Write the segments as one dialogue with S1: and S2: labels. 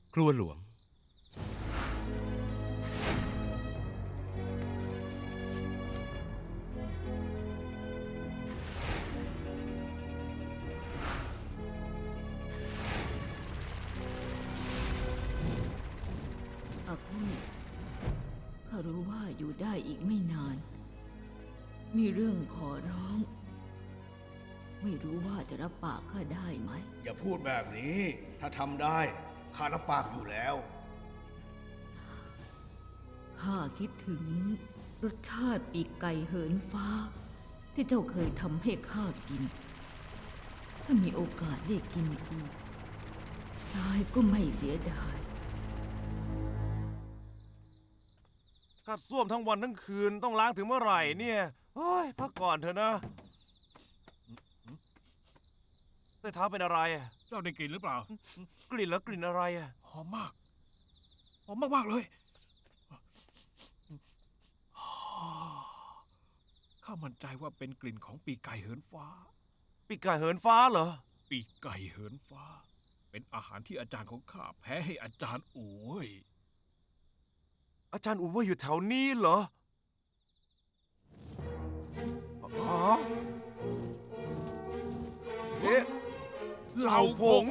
S1: ครัวหลวง
S2: อากุ้ยข้ารู้ว่าอยู่ได้อีกไม่นาน มีเรื่องขอร้อง ไม่รู้ว่าจะรับปากข้าได้ไหม
S3: อย่าพูดแบบนี้ ถ้าทำได้ข้ารับปากอยู่แล้ว
S2: ข้าคิดถึงรสชาติปีกไก่เหินฟ้า ที่เจ้าเคยทำให้ข้ากิน ถ้ามีโอกาสได้กินอีกตายก็ไม่เสียดาย
S4: กัดส้วมทั้งวันทั้งคืนต้องล้างถึงเมื่อไหร่เนี่ยเฮ้ยพักก่อนเถอะนะใต้เท้าเป็นอะไรอะ
S5: เจ้าได้กลิ่นหรือเปล่า
S4: กลิ่นแล้วกลิ่นอะไรอะ
S5: หอมมาก หอมมากๆเลย ข้ามั่นใจว่าเป็นกลิ่นของปีกไก่เหินฟ้า
S4: ปีกไก่เหินฟ้าเหรอ
S5: ปีกไก่เหินฟ้า เป็นอาหารที่อาจารย์ของข้าแพ้ให้อาจารย์อู๋เว้ย
S4: อาจารย์อูว่าอยู่แถวนี้เหรออ๋อเอ๊ะเหล่าผง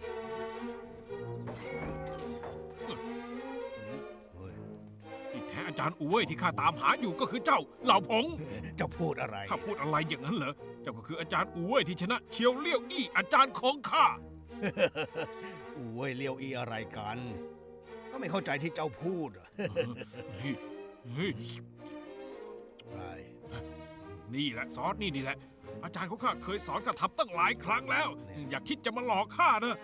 S5: ที่แท้อาจารย์อู๋เว้ยที่ข้าตามหาอยู่ก็คือเจ้าเหล่าผง
S3: จะพูดอะไร
S5: ข้าพูดอะไรอย่างนั้นเหรอ เจ้าก็คืออาจารย์อู๋เว้ยที่ชนะเชียวเลี่ยวอี้อาจารย์ของข้า
S3: โอ้ยเลียวอีอะไรกัน ก็ไม่เข้าใจที่เจ้าพูดอะ
S5: เฮ้ย
S3: อะไร
S5: นี่แหละซอสนี่แหละ อาจารย์ของข้าเคยสอนข้าทำตั้งหลายครั้งแล้ว อย่าคิดจะมาหลอกข้านะ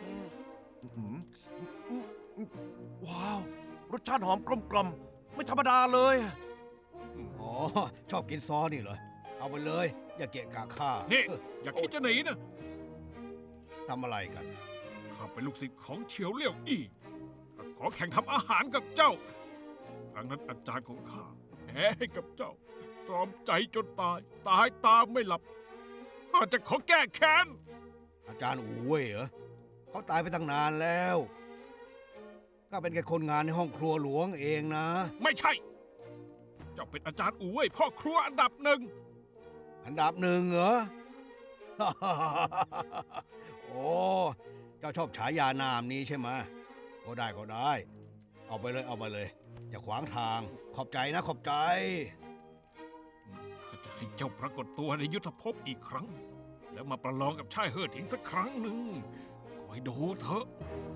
S4: ว้าว รสชาติหอมกลมกล่อมไม่ธรรมดาเลย
S3: อ๋อ ชอบกินซอสนี่เหรอ เอาไปเลย อย่าเกะกะข้า
S5: นี่ อย่าคิดจะหนีนะ
S3: ทำอะไรกัน
S5: ข้าเป็นลูกศิษย์ของเฉียวเลี่ยวอี้ขอแข่งทำอาหารกับเจ้าครั้งนั้นอาจารย์ของข้าแพ้ให้กับเจ้า ตรอมใจจนตาย ตายตามไม่หลับข้าจะขอแก้แค้น
S3: อาจารย์อูเว่ยเหรอเขาตายไปตั้งนานแล้ว ก็เป็นแค่คนงานในห้องครัวหลวงเองนะ
S5: ไม่ใช่ เจ้าเป็นอาจารย์อู๋เว่ยพ่อครัวอันดับหนึ่ง
S3: อันดับหนึ่งเหรอ โอ้เจ้าชอบฉายานามนี้ใช่ไหมก็ได้ก็ได้ เอาไปเลยเอาไปเลย อย่าขวางทาง ขอบใจนะขอบใจ
S5: ข้าจะให้เจ้าปรากฏตัวในยุทธภพอีกครั้ง แล้วมาประลองกับชายเฮ่อถิงสักครั้งหนึ่งคอยดูเถอะ